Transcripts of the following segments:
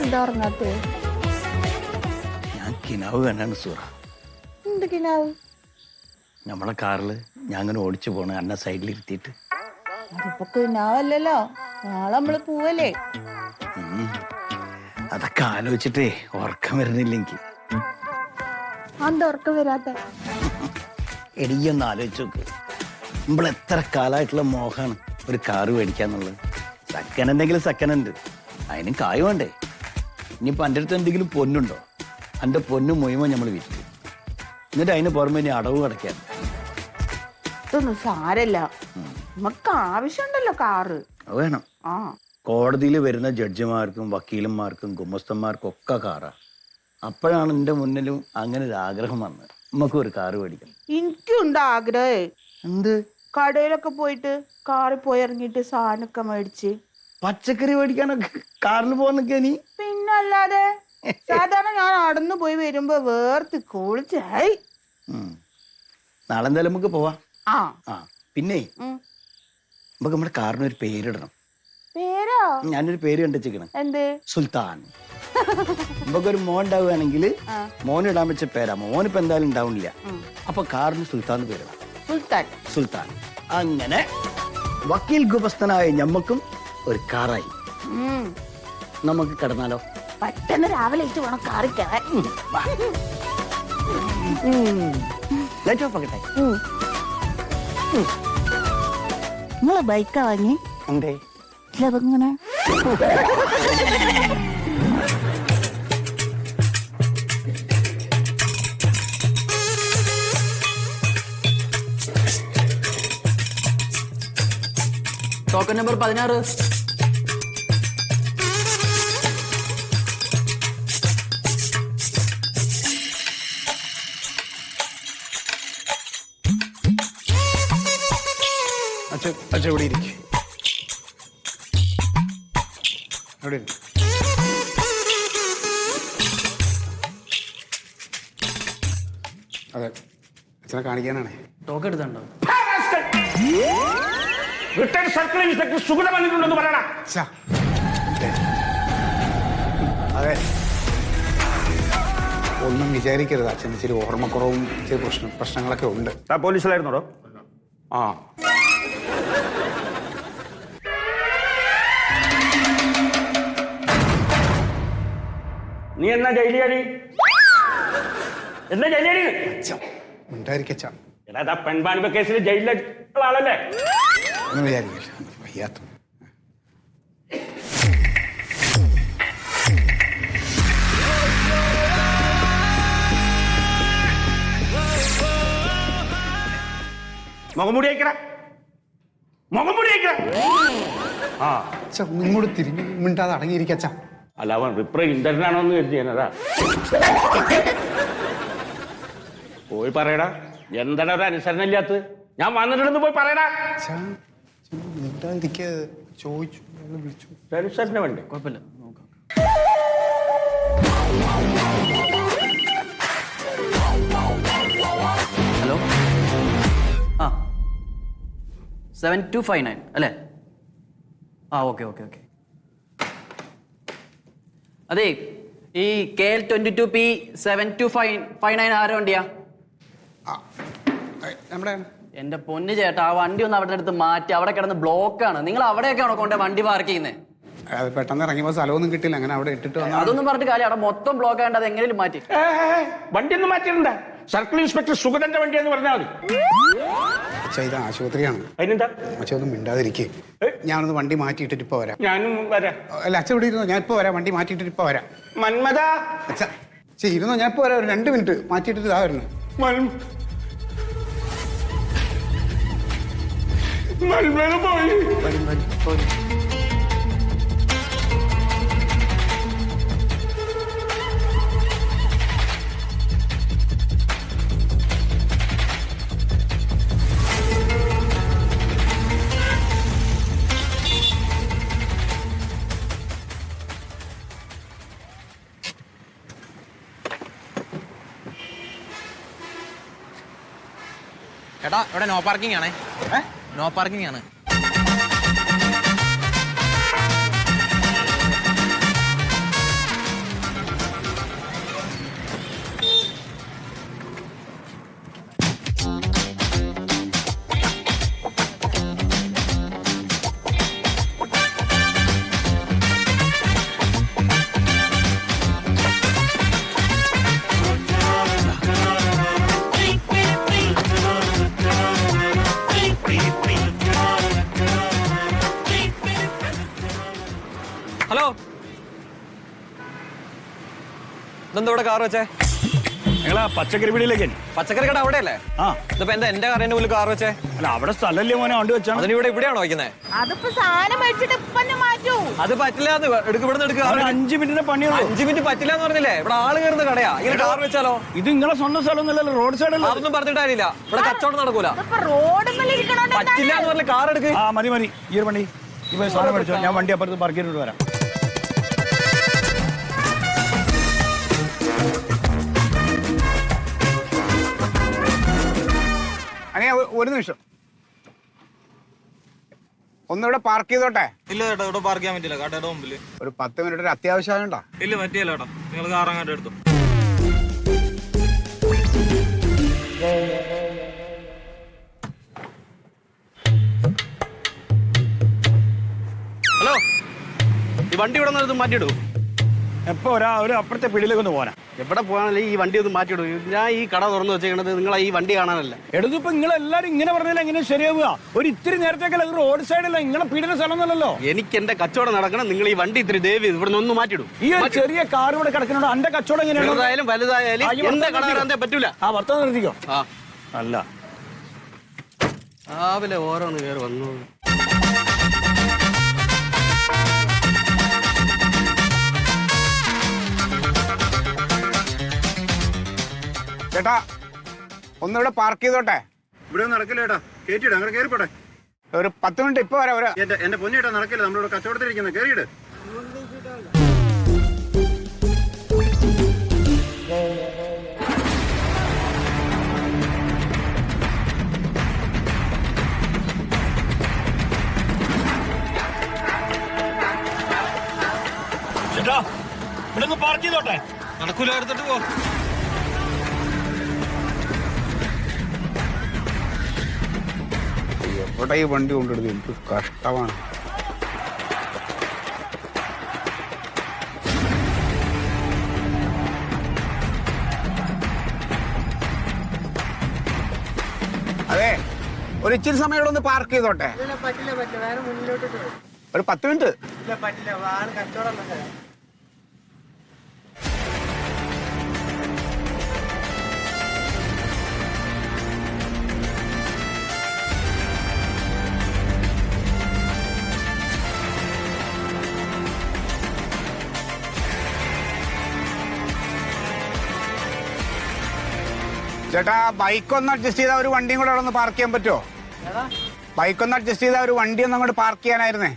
എന്താ ഉറങ്ങാത്തേ? ഞാൻ കിനാവ് കണ്ടാണ് സൂറ. എന്ത് കിനാവ്? നമ്മളെ കാറില് ഞാൻ അങ്ങനെ ഓടിച്ചു പോണ അന്ന സൈഡിൽ ഇരുത്തിയിട്ട്. അതിപ്പോ കിനാവല്ലല്ലോ, നാളെ നമ്മള് പോവല്ലേ. അതൊക്കെ ആലോചിച്ചിട്ടേ ഉറക്കം വരുന്നില്ല എനിക്ക്. എന്താ ഉറക്കം വരാത്ത? എടിയൊന്ന് ആലോചിച്ച് നോക്ക്. നമ്മൾ എത്ര കാലമായിട്ടുള്ള മോഹമാണ് ഒരു കാറ് മേടിക്കാന്നുള്ളത്. സെക്കൻഡ് എന്തെങ്കിലും സെക്കൻഡ് ഉണ്ട്, അതിനും കായ് വേണ്ടേ. ഇനിയിപ്പോൾ എൻ്റെ അടുത്ത് എന്തെങ്കിലും പൊന്നുണ്ടോ? എൻ്റെ പൊന്ന് മുഴുവൻ നമ്മൾ വിറ്റ്, എന്നിട്ട് അതിന് പുറമെ ഇനി അടവ് കിടക്കാൻ. ഇതൊന്നും സാരല്ല, നമുക്ക് ആവശ്യമുണ്ടല്ലോ കാറ്. അത് വേണം. ആ, കോടതിയിൽ വരുന്ന ജഡ്ജിമാർക്കും വക്കീലന്മാർക്കും ഗുമസ്തന്മാർക്കും ഒക്കെ കാറാ. അപ്പോഴാണ് എൻ്റെ മുന്നിലും അങ്ങനെ ഒരു ആഗ്രഹം വന്നത്, നമുക്ക് ഒരു കാറ് മേടിക്കണം. എനിക്കുണ്ട് ആഗ്രഹേ. എന്ത്? കടയിലൊക്കെ പോയിട്ട് കാറിൽ പോയി ഇറങ്ങിയിട്ട് സാധനമൊക്കെ മേടിച്ച് പച്ചക്കറി മേടിക്കാനൊക്കെ കാറിൽ പോകാനൊക്കെ നീ? പിന്നല്ലാതെ സാധാരണ ഞാൻ നടന്നു പോയി വരുമ്പോ വേർത്ത് കുളിച്ചായി. നാളെ എന്തായാലും നമുക്ക് പോവാം. ആ ആ പിന്നെ നമുക്ക് നമ്മുടെ കാറിന് ഒരു പേരിടണം. പേരോ? ഞാനൊരു പേര് കണ്ടുവെച്ചിരിക്കണം. എന്ത്? സുൽത്താൻ. നമുക്കൊരു മോൻ ഉണ്ടാവുകയാണെങ്കിൽ മോന് ഇടാൻ വെച്ച പേരാ. മോനിപ്പോ എന്തായാലും ഉണ്ടാവുന്നില്ല, അപ്പൊ കാറിന് സുൽത്താൻ പേരിടാം. സുൽത്താൻ. സുൽത്താൻ. അങ്ങനെ വക്കീൽ ഗുമസ്തനായ ഞമ്മക്കും ഒരു കാറായി. നമുക്ക് കിടന്നാലോ? പെട്ടെന്ന് രാവിലെ വേണം കാറിൽ കയറാൻ. ലൈറ്റ് ഓഫ് ആക്കട്ടെ. നിങ്ങളെ ബൈക്കാ വാങ്ങി? എന്തേ ഇങ്ങനെ ടോക്കൺ നമ്പർ 16. അച്ഛൻ ഇവിടെ ഇരിക്കും. അവിടെ അതെ, അച്ഛനെ കാണിക്കാനാണേ. ടോക്കൺ എടുത്തുണ്ടോ? റിട്ടയർഡ് സർക്കിൾ ഇൻസ്പെക്ടർ സുഗത വന്നിട്ടുണ്ടെന്ന് പറയണ. അതെ, ഒന്നും വിചാരിക്കരുത്. അച്ഛന് ഇച്ചിരി ഓർമ്മക്കുറവും ഇച്ചിരി പ്രശ്നങ്ങളൊക്കെ ഉണ്ട്. പോലീസിലായിരുന്നോടോ? ആ, നീ എന്നാ ജയിലിയാടി? എന്നാ ജയിലിയാടി? ഉണ്ടായിരിക്കച്ച. എടാ, പെൺവാണിഭ കേസിൽ ജയിലിലുള്ള ആളല്ലേ? ഒന്നും വിചാരിക്കില്ല, വയ്യാത്ത. മുഖംമൂടി അയക്കട, മുഖംമൂടി അയക്കട. ആ അച്ഛ, ഒന്നുകൂടി തിരിഞ്ഞു മിണ്ടാതെ അടങ്ങിയിരിക്കച്ച. അല്ല, അവൻ റിപ്രസെന്റേറ്റീവ് എന്ന് കരുതിയാനതാ. പോയി പറയടാ, എന്താണ് ഒരു അനുസരണ ഇല്ലാത്തത്? ഞാൻ വന്നിട്ടുണ്ടെന്ന് പോയി പറയടാ. മിണ്ടാതിരിക്കാതെ ചോദിച്ചു, വിളിച്ചു. അനുസരണ വേണ്ടേ? കുഴപ്പമില്ല, നോക്കാം. ഹലോ, ആ 7259 അല്ലേ? ആ, ഓക്കെ ഓക്കെ ഓക്കെ. അതെ, ഈ KL 22P 7259 ആരോ വണ്ടിയാ? നമ്മുടെ എന്റെ പൊന്നു ചേട്ടാ, ആ വണ്ടി ഒന്ന് അവിടെ അടുത്ത് മാറ്റി. അവിടെ കിടന്ന് ബ്ലോക്കാണ്. നിങ്ങൾ അവിടെയൊക്കെയാണോ കൊണ്ട് വണ്ടി പാർക്ക് ചെയ്യുന്നത്? അത് പെട്ടെന്ന് ഇറങ്ങിയപ്പോൾ സ്ഥലമൊന്നും കിട്ടില്ല, അങ്ങനെ അവിടെ ഇട്ടിട്ട് വന്നു. അതൊന്നും പറഞ്ഞിട്ട് കാര്യം, അവിടെ മൊത്തം ബ്ലോക്ക് ആയതുകൊണ്ട് അത് എങ്ങനെയും മാറ്റി. വണ്ടി ഒന്നും മാറ്റിയിട്ടുണ്ടാ? സർക്കിൾ ഇൻസ്പെക്ടർ സുഗതന്റെ വണ്ടി എന്ന് പറഞ്ഞാൽ മതി. അച്ഛാ, ഇത് ആശുപത്രിയാണ്. അതിനെന്താ? അച്ഛ, ഒന്നും മിണ്ടാതിരിക്കേ. ഞാനൊന്ന് വണ്ടി മാറ്റിയിട്ടിട്ട് ഇപ്പൊ വരാം. ഞാനും വരാം. അല്ല, അച്ഛൻ ഇവിടെ ഇരുന്നോ, ഞാൻ ഇപ്പൊ വരാം. വണ്ടി മാറ്റിയിട്ടിട്ട് ഇപ്പൊ വരാം. മന്മത. അച്ഛ, ഇരുന്നോ, ഞാൻ ഇപ്പൊ വരാം. ഒരു 2 മിനിറ്റ് മാറ്റിയിട്ടിട്ട് ഇതാ വരുന്നു. മന്മത പോയി. ചേട്ടാ, ഇവിടെ നോ പാർക്കിംഗ് ആണേ. നോ പാർക്കിംഗ് ആണ്. ഹലോ, ഇതെന്താ ഇവിടെ കാർ വെച്ചേ? നിങ്ങളാ പച്ചക്കറി പിടിയിലേക്ക്. പച്ചക്കറി കട അവിടെയല്ലേ? ആ, ഇതിപ്പോ എന്താ എന്റെ കാറിന്റെ മുന്നിൽ കാർ വെച്ചേ? അല്ല അവിടെ സ്ഥലമല്ലേ മോനെ, വണ്ടി വെച്ചാണ്. അതിന് ഇവിടെയാണോ വയ്ക്കുന്നത്? അതിപ്പോ സാധനം മേടിച്ചിട്ട് ഇപ്പൊ തന്നെ മാറ്റൂ. അത് പറ്റില്ല, അത് ഇവിടുന്ന് എടുക്കുക. 5 മിനിറ്റിന്റെ പണിയുള്ളൂ. 5 മിനിറ്റ് പറ്റില്ല എന്ന് പറഞ്ഞില്ലേ? ഇവിടെ ആള് കയറുന്ന കടയാ, ഇങ്ങനെ കാർ വെച്ചാലോ? ഇത് നിങ്ങളെ സ്വന്തം സ്ഥലമൊന്നുമല്ലല്ലോ, റോഡ് സൈഡല്ലേ. അതൊന്നും പറഞ്ഞിട്ട് കാര്യമില്ല, ഇവിടെ കച്ചവടം നടക്കൂല. ഇതിപ്പോ റോഡ് പറ്റില്ല എന്ന് പറഞ്ഞ കാർ എടുക്ക്. ആ മതി ഈ ഒരു വണ്ടി ഇപ്പൊ സാധനം മേടിച്ചോ, ഞാൻ വണ്ടി അപ്പുറത്ത് പാർക്ക് ചെയ്തിട്ട് വരാം. അങ്ങനെ ഒരു നിമിഷം ഒന്നിവിടെ പാർക്ക് ചെയ്തോട്ടെ. ഇല്ല ചേട്ടാ, ഇവിടെ പാർക്ക് ചെയ്യാൻ പറ്റില്ല, കടയുടെ മുമ്പിൽ. ഒരു 10 മിനിറ്റ് ഒരു അത്യാവശ്യം ഉണ്ടോ? ഇല്ല പറ്റിയല്ല ചേട്ടാ, നിങ്ങൾ കാർ അങ്ങോട്ട് എടുത്തു. ഹലോ, ഈ വണ്ടി ഇവിടെ നിന്ന് മാറ്റിയിടൂ. എപ്പോ ഒരു അപ്പുറത്തെ പിടിയിലേക്ക് ഒന്ന് പോരാ. എവിടെ പോകാനല്ലേ ഈ വണ്ടി ഒന്ന് മാറ്റിയിടൂ. ഞാൻ ഈ കട തുറന്നു വെച്ചേക്കണത് നിങ്ങളെ ഈ വണ്ടി കാണാനല്ല. എടുത്തിപ്പോ നിങ്ങൾ എല്ലാരും ഇങ്ങനെ പറഞ്ഞാൽ എങ്ങനെ ശരിയാവുക? ഒരു ഇത്തിരി നേരത്തേക്കല്ല, ഇത് റോഡ് സൈഡല്ല, നിങ്ങളെ പീഡിന സ്ഥലമൊന്നുമല്ലല്ലോ. എനിക്ക് എന്റെ കച്ചവടം നടക്കണം. നിങ്ങൾ ഈ വണ്ടി ഇത്തിരി ദയവ് ഇവിടെ നിന്ന് ഒന്ന് മാറ്റിയിടൂ. ഈ ഒരു ചെറിയ കാർ ഇവിടെ കിടക്കുന്നുണ്ടോ? എന്റെ കച്ചവടം എങ്ങനെയാണ്? ചെറുതായാലും വലുതായാലും എന്റെ കട കയറാൻ പറ്റൂല. ആ ഭർത്താവ് നിർത്തിക്കോ. ആ അല്ല രാവിലെ ഓരോന്ന് കയറി വന്നു. ചേട്ടാ ഒന്നിവിടെ പാർക്ക് ചെയ്തോട്ടെ. ഇവിടെ നടക്കില്ല ചേട്ടാ, കയറ്റിയിട്, അങ്ങനെ കയറിപ്പോട്ടെ. ഒരു 10 മിനിറ്റ് ഇപ്പൊ വരാം. എന്റെ പൊന്നിയേട്ടാ നടക്കില്ല, നമ്മളിവിടെ കച്ചവടത്തിലിരിക്കുന്നത്, കയറിയിട്. ചേട്ടാ ഇവിടെ പാർക്ക് ചെയ്തോട്ടെ. നടക്കൂല, എടുത്തിട്ട് പോ. എവിടെ ഈ വണ്ടി കൊണ്ടെടുത്ത് എനിക്ക് കഷ്ടമാണ്. അതെ, ഒരു ഇച്ചിരി സമയം ഇവിടെ ഒന്ന് പാർക്ക് ചെയ്തോട്ടെ. ഒരു 10 മിനിറ്റ്. ചേട്ടാ ബൈക്ക് ഒന്ന് അഡ്ജസ്റ്റ് ചെയ്താൽ ഒരു വണ്ടിയും കൂടെ അവിടെ ഒന്ന് പാർക്ക് ചെയ്യാൻ പറ്റുമോ? ബൈക്ക് ഒന്ന് അഡ്ജസ്റ്റ് ചെയ്താൽ ഒരു വണ്ടി ഒന്ന് അങ്ങോട്ട് പാർക്ക് ചെയ്യാനായിരുന്നേ.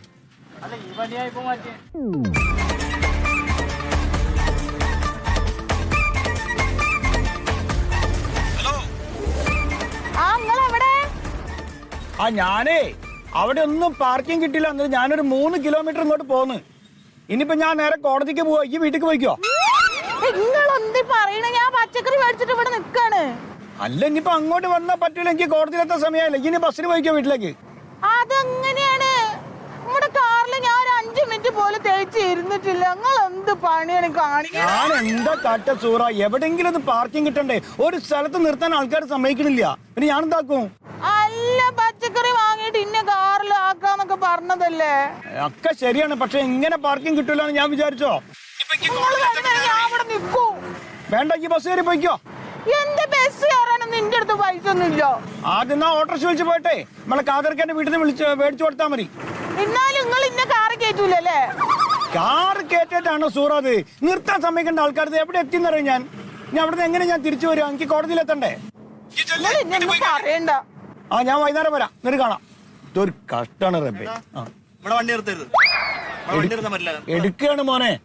ആ ഞാനേ അവിടെ ഒന്നും പാർക്കിംഗ് കിട്ടില്ല, എന്നിട്ട് ഞാനൊരു 3 കിലോമീറ്റർ ഇങ്ങോട്ട് പോന്ന്. ഇനിയിപ്പോ ഞാൻ നേരെ കോടതിക്ക് പോവാ, ഈ വീട്ടിലേക്ക് പോയിക്കോ. നിങ്ങളെന്ത് പറയണ? ഞാൻ പച്ചക്കറി മേടിച്ചിട്ട് ഇവിടെ നിക്കാണ്. അല്ല ഇനിയിപ്പോ അങ്ങോട്ട് വന്നാൽ പറ്റൂല, എനിക്ക് കോടതിയിലെത്താൻ സമയമായില്ല. ഇനി ബസ്സിന് പോയിക്കോ വീട്ടിലേക്ക്. അതെങ്ങനെയാണ്? നമ്മുടെ കാറിൽ ഞാൻ 5 മിനിറ്റ് പോലും തേച്ച് ഇരുന്നിട്ടില്ല. നിങ്ങൾ എന്ത് പണിയാണ് കാണിക്കുന്നത്? ഞാൻ എന്താ കാട്ട സൂറ, എവിടെങ്കിലും ഒന്ന് പാർക്കിംഗ് കിട്ടണ്ടേ? ഒരു സ്ഥലത്ത് നിർത്താൻ ആൾക്കാർ സമ്മതിക്കണില്ല. പിന്നെ ഞാൻ എന്താക്കും? അല്ല, പച്ചക്കറി വാങ്ങിയിട്ട് ഇന്ന കാറിൽ ആക്കാന്നൊക്കെ പറഞ്ഞതല്ലേ? ഒക്കെ ശരിയാണ്, പക്ഷെ ഇങ്ങനെ പാർക്കിംഗ് കിട്ടൂല എന്ന് ഞാൻ വിചാരിച്ചോ? ഞാൻ അവിടെ നിൽക്കൂ. വേണ്ട, ഈ ബസ് കയറി പോയിക്കോ. എന്റെ ബസ് കയറാനൊന്നും നിന്റെ അടുത്ത് പൈസ ഒന്നുമില്ല. ആദ്യം ഓട്ടോറിക്ഷ വിളിച്ച് പോയിട്ടെ നമ്മളെ കാതർക്കാന്റെ വീട്ടിൽ നിന്ന് മേടിച്ചു കൊടുത്താൽ മതി. എന്നാലും നിങ്ങൾ ഇന്ന കാറ് കയറ്റൂലല്ലേ? കാറ് കയറ്റിട്ടാണോ സൂറ അത്? നിർത്താൻ സമ്മതിക്കേണ്ട ആൾക്കാർ എവിടെ എത്തിയെന്നറിയാം. ഞാൻ അവിടുന്ന് എങ്ങനെ ഞാൻ തിരിച്ചു വരും? എനിക്ക് കോടതിയിലെത്തണ്ടേ? പറയണ്ട. ആ ഞാൻ വൈകുന്നേരം വരാം, എന്നിട്ട് കാണാം. ഇതൊരു കഷ്ടാണ് റബ്ബേ. ഇവിടെ വണ്ടി നിർത്തരുത്, വണ്ടി നിർത്താൻ പറ്റില്ല. എടുക്കുകയാണ് മോനെ.